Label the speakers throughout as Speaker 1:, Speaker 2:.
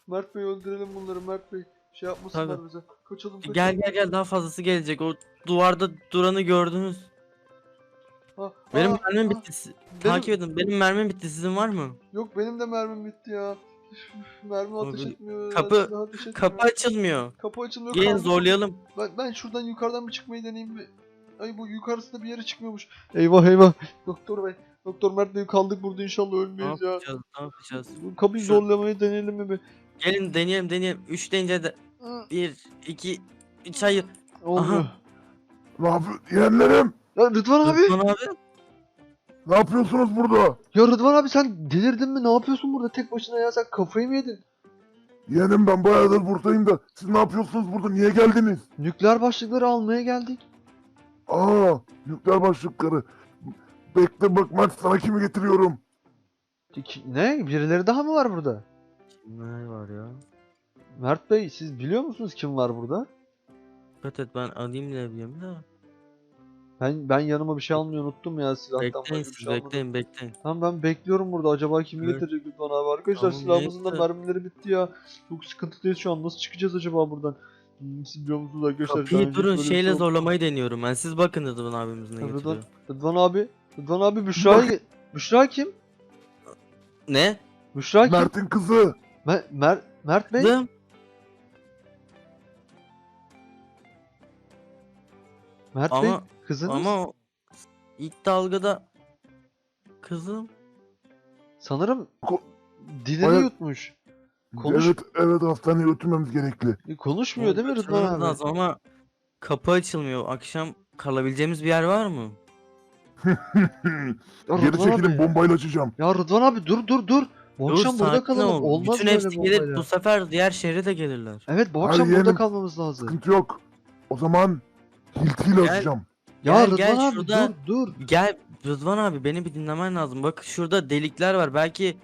Speaker 1: Mert Bey öldürelim bunları Mert Bey. Şey yapmasınlar
Speaker 2: Tabii.
Speaker 1: bize. Kaçalım kaçalım.
Speaker 2: Gel daha fazlası gelecek. O duvarda duranı gördünüz.
Speaker 1: Ha,
Speaker 2: Benim mermim
Speaker 1: ha.
Speaker 2: bitti.
Speaker 1: Benim
Speaker 2: Takip edin. Benim mermim bitti. Sizin var mı?
Speaker 1: yok benim de mermim bitti ya. Mermi
Speaker 2: O
Speaker 1: ateş etmiyor ya.
Speaker 2: kapı
Speaker 1: Silah ateş
Speaker 2: kapı
Speaker 1: etmiyor.
Speaker 2: açılmıyor.
Speaker 1: Kapı açılmıyor
Speaker 2: Gelin
Speaker 1: kaldık.
Speaker 2: zorlayalım.
Speaker 1: Ben şuradan yukarıdan bir çıkmayı deneyeyim mi? Ay bu yukarısında bir yere çıkmıyormuş. Eyvah eyvah. Doktor bey. Doktor Mert Bey kaldık burada inşallah
Speaker 2: Ne
Speaker 1: ölmeyiz ya.
Speaker 2: yapacağız? Ne yapacağız?
Speaker 1: Bu kapıyı
Speaker 2: Şu
Speaker 1: zorlamayı deneyelim mi be?
Speaker 2: gelin deneyelim. 3 deyince de 1 2 3 hayır.
Speaker 1: Olmuyor.
Speaker 2: Aha.
Speaker 3: Ne yapıyor? Yeğenlerim!
Speaker 1: Ya Rıdvan abi.
Speaker 2: Rıdvan abi.
Speaker 3: Ne yapıyorsunuz burada?
Speaker 1: Ya Rıdvan abi sen delirdin mi? Ne yapıyorsun burada tek başına ya? Sen kafayı mı yedin?
Speaker 3: Yeğenim ben bayağıdır buradayım da siz ne yapıyorsunuz burada? Niye geldiniz?
Speaker 1: Nükleer başlıkları almaya geldik.
Speaker 3: Aa, nükleer başlıkları. Bekle bak Mert sana kimi getiriyorum.
Speaker 1: Ne? Birileri daha mı var burada?
Speaker 2: Ne var ya?
Speaker 1: Mert Bey siz biliyor musunuz kim var burada?
Speaker 2: Dikkat et ben alayım ne bileyim de.
Speaker 1: Ben yanıma bir şey almayı unuttum ya silahtan başka
Speaker 2: Bekleyin
Speaker 1: bir
Speaker 2: siz
Speaker 1: şey almadım.
Speaker 2: bekleyin.
Speaker 1: Tamam ben bekliyorum burada. Acaba kimi
Speaker 2: Evet.
Speaker 1: getirecek Rıdvan abi? Arkadaşlar
Speaker 2: Tamam,
Speaker 1: silahımızın da
Speaker 2: neyse.
Speaker 1: mermileri bitti ya. Çok sıkıntıdayız şu an. Nasıl çıkacağız acaba buradan? Siz biliyor musunuz arkadaşlar? Daha
Speaker 2: Kapıyı
Speaker 1: önce hiç
Speaker 2: durun
Speaker 1: böyle bir şey
Speaker 2: şeyle
Speaker 1: olmadı.
Speaker 2: zorlamayı deniyorum ben. Siz bakın Rıdvan abimiz ne
Speaker 1: Rıdvan,
Speaker 2: getiriyor.
Speaker 1: Rıdvan abi. Rıdvan abi Büşra'yı... Büşra kim?
Speaker 2: Ne?
Speaker 1: Büşra kim?
Speaker 3: Mert'in kızı.
Speaker 1: Mert Bey?
Speaker 2: Kızım.
Speaker 1: Mert Bey
Speaker 2: Ama
Speaker 1: kızınız?
Speaker 2: ama ilk dalgada kızım.
Speaker 1: Sanırım
Speaker 3: Ko-
Speaker 1: dilini
Speaker 3: Baya-
Speaker 1: yutmuş. Konuş...
Speaker 3: Evet hastaneye götürmemiz gerekli.
Speaker 1: Konuşmuyor değil mi Rıdvan
Speaker 2: Kaçırmamız
Speaker 1: abi?
Speaker 2: lazım ama kapı açılmıyor. Akşam kalabileceğimiz bir yer var mı?
Speaker 1: Ya
Speaker 3: Geri
Speaker 1: Rıdvan
Speaker 3: çekilin
Speaker 1: abi.
Speaker 3: bombayla açacağım.
Speaker 1: Ya Rıdvan abi dur. Bu
Speaker 2: Dur
Speaker 1: akşam burada
Speaker 2: sakin
Speaker 1: kalalım.
Speaker 2: ol.
Speaker 1: Olmaz
Speaker 2: Bütün
Speaker 1: böyle
Speaker 2: hepsi gelir.
Speaker 1: bombayla.
Speaker 2: Bu sefer diğer şehre de gelirler.
Speaker 1: Evet bu
Speaker 3: Hayır
Speaker 1: akşam burada
Speaker 3: yeğenim,
Speaker 1: kalmamız lazım.
Speaker 3: Sıkıntı yok. O zaman hiltiyle
Speaker 2: Gel.
Speaker 3: açacağım.
Speaker 1: Ya
Speaker 2: Gel,
Speaker 1: Rıdvan abi
Speaker 2: şurada.
Speaker 1: dur.
Speaker 2: Gel Rıdvan abi beni bir dinlemen lazım. Bak şurada delikler var. Belki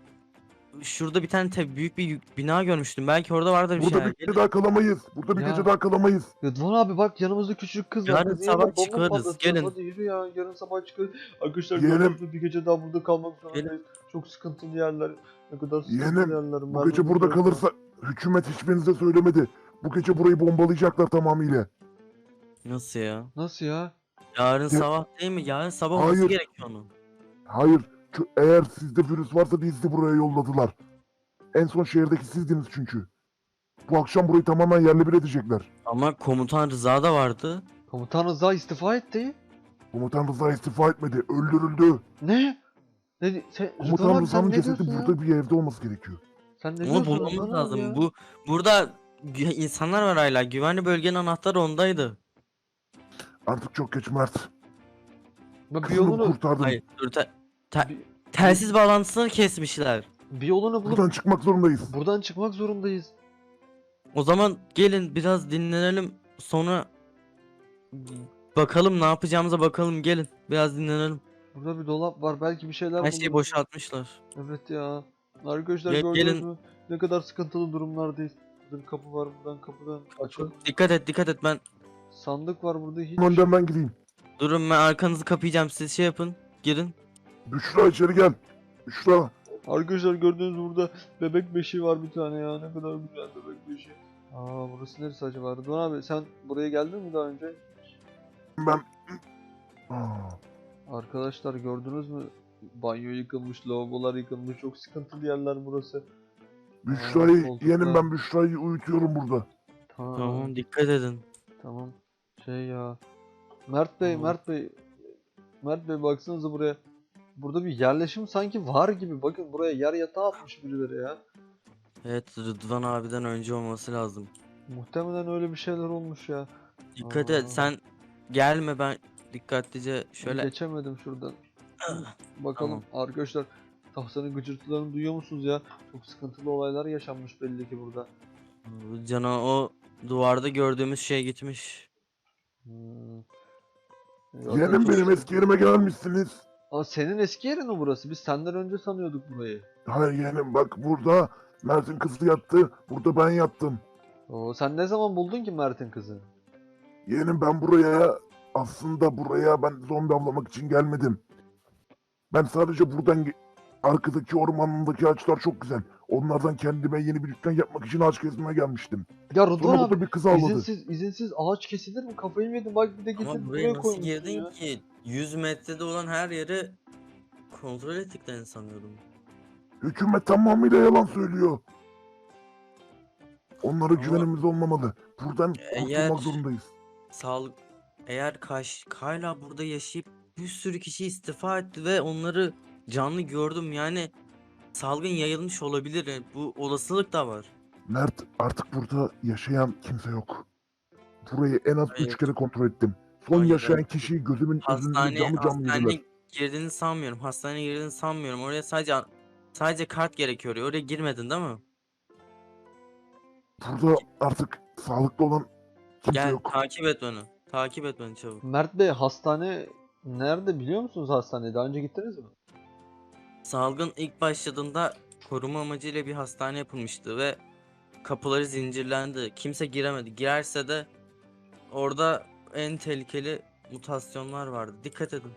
Speaker 2: şurada bir tane büyük bir bina görmüştüm. Belki orada vardır bir
Speaker 3: Burada
Speaker 2: şeyler.
Speaker 3: bir gece daha kalamayız. Burada bir
Speaker 1: Ya.
Speaker 3: gece daha kalamayız.
Speaker 1: Rıdvan abi bak yanımızda küçük kız var.
Speaker 2: Yarın
Speaker 1: Kızın
Speaker 2: sabah
Speaker 1: yanında bomba
Speaker 2: çıkarız,
Speaker 1: patlatacağız.
Speaker 2: gelin.
Speaker 1: Hadi yürü ya yarın sabah çıkarız. Arkadaşlar
Speaker 3: Yeğenim.
Speaker 1: gördüğünüz gibi bir gece daha burada kalmak zorundayız. Çok sıkıntılı yerler. Ne kadar sıkıntılı
Speaker 3: Yeğenim,
Speaker 1: yerler.
Speaker 3: Bu
Speaker 1: Merdiven
Speaker 3: gece burada
Speaker 1: yok.
Speaker 3: kalırsa hükümet hiçbirinize söylemedi. Bu gece burayı bombalayacaklar tamamıyla.
Speaker 2: Nasıl ya?
Speaker 1: Nasıl ya?
Speaker 2: Yarın sabah değil mi? Yarın sabah olması
Speaker 3: Hayır.
Speaker 2: gerekiyor onun.
Speaker 3: Hayır. Eğer sizde virüs varsa bizi buraya yolladılar. En son şehirdeki sizdiniz çünkü. Bu akşam burayı tamamen yerle bir edecekler.
Speaker 2: Ama komutan Rıza da vardı.
Speaker 1: Komutan Rıza istifa etti.
Speaker 3: Komutan Rıza istifa etmedi. Öldürüldü.
Speaker 1: Ne? Rıdvan
Speaker 3: Komutan
Speaker 1: abi sen
Speaker 3: Rıza'nın
Speaker 1: ne
Speaker 3: cesedi
Speaker 1: diyorsun ya?
Speaker 3: burada bir evde olması gerekiyor.
Speaker 1: Sen ne
Speaker 2: Onu
Speaker 1: diyorsun
Speaker 2: bulmamız
Speaker 1: Rıdvan abi
Speaker 2: lazım.
Speaker 1: ya?
Speaker 2: Burada insanlar var hala. Güvenli bölgenin anahtarı ondaydı.
Speaker 3: Artık çok geç Mert.
Speaker 1: Ben bir
Speaker 3: Kızını
Speaker 1: yolunu,
Speaker 3: kurtardım.
Speaker 2: Hayır, dur
Speaker 1: bir,
Speaker 2: telsiz bağlantısını kesmişler.
Speaker 1: bir yolunu bulup
Speaker 3: Buradan çıkmak zorundayız.
Speaker 1: buradan çıkmak zorundayız.
Speaker 2: O zaman gelin biraz dinlenelim. Sonra bakalım ne yapacağımıza bakalım. Gelin biraz dinlenelim.
Speaker 1: Burada bir dolap var. Belki bir şeyler
Speaker 2: Her şeyi
Speaker 1: buluruz.
Speaker 2: boşaltmışlar.
Speaker 1: Evet ya. Arkadaşlar
Speaker 2: Gel-
Speaker 1: gördünüz
Speaker 2: gelin.
Speaker 1: mü? Ne kadar sıkıntılı durumlardayız. Burada bir kapı var buradan kapıdan. Açalım.
Speaker 2: Dikkat et ben.
Speaker 1: Sandık var burada hiç.
Speaker 3: Önden ben gideyim.
Speaker 2: Durun ben arkanızı kapayacağım. Siz şey yapın. Girin.
Speaker 3: Büşra içeri gel. Büşra.
Speaker 1: Arkadaşlar gördüğünüz burada bebek beşiği var bir tane ya. Ne kadar güzel bebek beşiği. Aa burası neresi acaba? Rıdvan abi sen buraya geldin mi daha önce?
Speaker 3: Ben... Aa,
Speaker 1: Arkadaşlar gördünüz mü? Banyo yıkılmış, lavabolar yıkılmış. Çok sıkıntılı yerler burası.
Speaker 3: Büşra'yı
Speaker 1: koltuklar.
Speaker 3: yeğenim ben Büşra'yı uyutuyorum burada.
Speaker 2: Tamam dikkat edin.
Speaker 1: Tamam. Şey ya. Mert Bey,
Speaker 2: Tamam.
Speaker 1: Mert Bey baksanıza buraya. Burada bir yerleşim sanki var gibi. Bakın buraya yer yatağı atmış birileri ya.
Speaker 2: Evet Rıdvan abiden önce olması lazım.
Speaker 1: Muhtemelen öyle bir şeyler olmuş ya.
Speaker 2: Dikkat
Speaker 1: Aa.
Speaker 2: et sen gelme ben dikkatlice şöyle.
Speaker 1: Geçemedim şuradan. Bakalım arkadaşlar. Tahtanın gıcırtılarını duyuyor musunuz ya? Çok sıkıntılı olaylar yaşanmış belli ki burada.
Speaker 2: Cana o duvarda gördüğümüz şey gitmiş.
Speaker 1: Hmm.
Speaker 3: Yeğenim benim eski yerime gelmişsiniz.
Speaker 1: Aa, senin eski yerin mi burası? Biz senden önce sanıyorduk burayı.
Speaker 3: Hayır yeğenim bak burada Mert'in kızı yattı. Burada ben yattım.
Speaker 1: Oo, sen ne zaman buldun ki Mert'in kızını?
Speaker 3: Yeğenim ben buraya ben zombi avlamak için gelmedim. Ben sadece buradan arkadaki ormanındaki ağaçlar çok güzel. Onlardan kendime yeni bir dükkan yapmak için ağaç kesmeye gelmiştim.
Speaker 1: Ya Rıdvan
Speaker 3: Sonra
Speaker 1: abi
Speaker 3: burada bir kız avladı.
Speaker 1: izinsiz ağaç kesilir mi? Kafayı mı yedin? Bak bir de
Speaker 2: Ama
Speaker 1: getirip
Speaker 2: buraya
Speaker 1: buraya
Speaker 2: nasıl
Speaker 1: koymuşsun
Speaker 2: girdin
Speaker 1: ya.
Speaker 2: ki? 100 metrede olan her yeri kontrol ettiklerini sanıyordum.
Speaker 3: Hükümet tamamıyla yalan söylüyor. Onlara
Speaker 2: Ama
Speaker 3: güvenimiz olmamalı. Buradan
Speaker 2: eğer
Speaker 3: kurtulmak zorundayız.
Speaker 2: sağlık eğer hala burada yaşayıp bir sürü kişi istifa etti ve onları canlı gördüm, yani salgın yayılmış olabilir. Yani bu olasılık da var.
Speaker 3: Mert, artık burada yaşayan kimse yok. Burayı en az 3
Speaker 2: Hayır.
Speaker 3: kere kontrol ettim. Son
Speaker 2: Hayır,
Speaker 3: yaşayan
Speaker 2: hayır.
Speaker 3: kişiyi gözümün önünde canlı canlı yediler.
Speaker 2: Hastaneye girdiğini sanmıyorum. Hastaneye girdiğini sanmıyorum. Oraya sadece kart gerekiyor. Oraya girmedin değil mi?
Speaker 3: Burada artık sağlıklı olan kimse
Speaker 2: Gel
Speaker 3: yok.
Speaker 2: takip et onu. Takip et beni çabuk.
Speaker 1: Mert Bey hastane nerede biliyor musunuz hastaneyi? Daha önce gittiniz mi?
Speaker 2: Salgın ilk başladığında koruma amacıyla bir hastane yapılmıştı ve kapıları zincirlendi. Kimse giremedi. Girerse de orada en tehlikeli mutasyonlar vardı. Dikkat edin.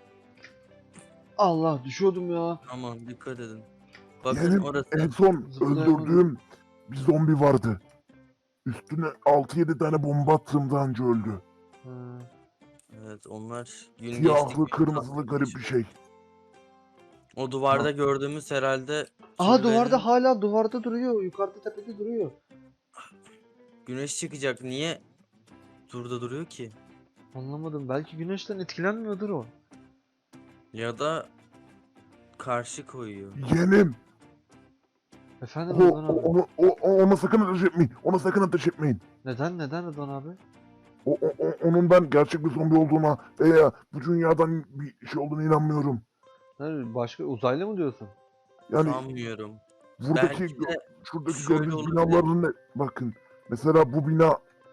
Speaker 1: Allah düşüyordum ya.
Speaker 2: Aman dikkat edin. Bakın
Speaker 3: Yeğenim,
Speaker 2: orası.
Speaker 3: en son
Speaker 1: Zıplayamadım.
Speaker 3: öldürdüğüm bir zombi vardı. Üstüne 6-7 tane bomba attığımda önce öldü.
Speaker 1: Ha.
Speaker 2: Evet, onlar gün
Speaker 3: Siyahlı,
Speaker 2: geçtikçe
Speaker 3: kırmızılı garip bir şey.
Speaker 2: O duvarda gördüğümüz herhalde
Speaker 1: Aha
Speaker 2: türlerin
Speaker 1: duvarda duruyor. Yukarıda tepede duruyor.
Speaker 2: güneş çıkacak. Niye burada duruyor ki?
Speaker 1: Anlamadım. Belki güneşten etkilenmiyordur o.
Speaker 2: Ya da karşı koyuyor.
Speaker 3: Yeğenim,
Speaker 1: Efendim
Speaker 3: o,
Speaker 1: Rıdvan abi.
Speaker 3: ona sakın ateş etmeyin. Ona sakın ateş etmeyin.
Speaker 1: Neden Rıdvan abi?
Speaker 3: Onun ben gerçek bir zombi olduğuna veya bu dünyadan bir şey olduğuna inanmıyorum.
Speaker 1: Başka uzaylı mı diyorsun?
Speaker 3: Yani
Speaker 2: Sanmıyorum.
Speaker 3: buradaki
Speaker 2: Belki de
Speaker 3: şuradaki
Speaker 2: şöyle
Speaker 3: gördüğünüz
Speaker 2: olabilir.
Speaker 3: binaların ne? Bakın mesela bu bina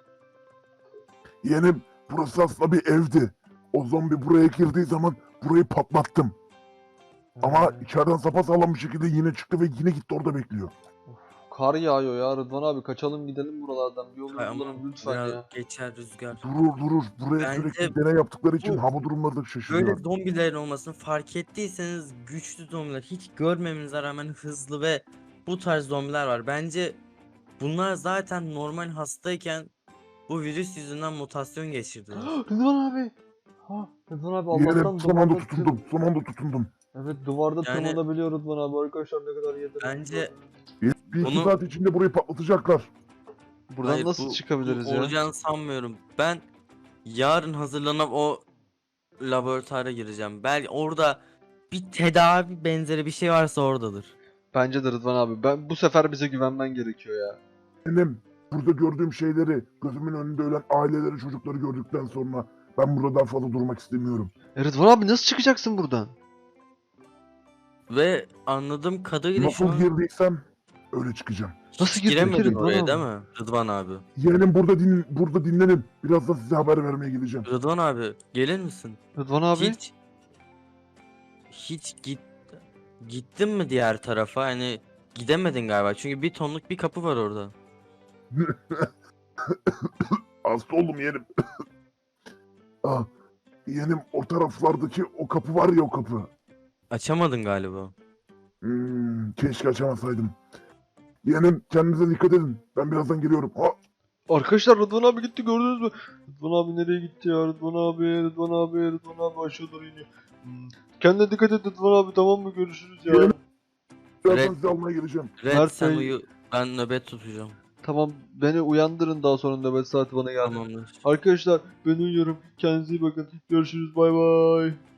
Speaker 3: yeğenim, burası aslında bir evdi. O zombi buraya girdiği zaman burayı patlattım. Ama
Speaker 1: Ha.
Speaker 3: içeriden sapasağlam bir şekilde yine çıktı ve yine gitti orada bekliyor.
Speaker 1: Kar yağıyor ya Rıdvan abi. Kaçalım gidelim buralardan. Bir yolunu
Speaker 2: Ay ama
Speaker 1: bulalım lütfen
Speaker 2: biraz
Speaker 1: ya.
Speaker 2: geçer rüzgar.
Speaker 3: Durur. Buraya
Speaker 2: Bence
Speaker 3: sürekli deney yaptıkları için
Speaker 2: bu-
Speaker 3: hava durumları da
Speaker 2: Böyle
Speaker 3: şaşırıyor.
Speaker 2: zombilerin olmasını fark ettiyseniz güçlü zombiler, hiç görmemenize rağmen hızlı ve bu tarz zombiler var. Bence bunlar zaten normal hastayken bu virüs yüzünden mutasyon geçirdiler.
Speaker 1: Rıdvan abi. Ha, Rıdvan abi
Speaker 3: Yeğenim
Speaker 1: Allah'tan
Speaker 3: son anda
Speaker 1: duvarda
Speaker 3: tutundum. Son anda tutundum.
Speaker 1: Evet duvarda
Speaker 2: Yani-
Speaker 1: tırmanabiliyor Rıdvan abi. Arkadaşlar ne kadar yedir.
Speaker 2: Bence
Speaker 3: Bir iki
Speaker 2: Bunu-
Speaker 3: saat içinde burayı patlatacaklar.
Speaker 1: buradan
Speaker 2: hayır,
Speaker 1: nasıl
Speaker 2: bu
Speaker 1: çıkabiliriz ya?
Speaker 2: olacağını sanmıyorum. Ben yarın hazırlanıp o laboratuvara gireceğim. Belki orada bir tedavi benzeri bir şey varsa oradadır.
Speaker 1: Bence de Rıdvan abi. Bu sefer bize güvenmen gerekiyor ya.
Speaker 3: Benim burada gördüğüm şeyleri, gözümün önünde ölen aileleri, çocukları gördükten sonra ben burada daha fazla durmak istemiyorum.
Speaker 1: Rıdvan abi nasıl çıkacaksın buradan?
Speaker 2: Ve anladığım kadarıyla şu
Speaker 3: Nasıl
Speaker 2: an
Speaker 3: girdiysem öyle çıkacağım.
Speaker 1: Nasıl
Speaker 2: hiç
Speaker 1: girdin ki
Speaker 2: giremedin
Speaker 1: Rıdvan
Speaker 2: oraya
Speaker 1: abi?
Speaker 2: değil mi Rıdvan abi?
Speaker 3: Yeğenim burada dinlenin. Birazdan size haber vermeye geleceğim.
Speaker 2: Rıdvan abi gelir misin?
Speaker 1: Rıdvan abi.
Speaker 2: Hiç gittin mi diğer tarafa? Hani gidemedin galiba. Çünkü bir tonluk bir kapı var orada.
Speaker 3: Hasta oldum yeğenim. Ah, yeğenim o taraflardaki o kapı var ya, o kapı.
Speaker 2: Açamadın galiba.
Speaker 3: Keşke açamasaydım. Yeğenim kendinize dikkat edin. Ben birazdan geliyorum. Ha,
Speaker 1: Arkadaşlar Rıdvan abi gitti gördünüz mü? Rıdvan abi nereye gitti ya? Rıdvan abi aşağı doğru iniyor. Kendine dikkat et Rıdvan abi, tamam mı? Görüşürüz ya.
Speaker 3: Yeğenim. birazdan
Speaker 2: Evet.
Speaker 3: sizi almaya geleceğim.
Speaker 2: Red
Speaker 1: Mert
Speaker 2: sen
Speaker 1: Bey-
Speaker 2: uyu. Ben nöbet tutacağım.
Speaker 1: Tamam, beni uyandırın daha sonra nöbet saati bana geldi.
Speaker 2: Tamamdır.
Speaker 1: Arkadaşlar ben uyuyorum. Kendinize iyi bakın. Görüşürüz, bay bay.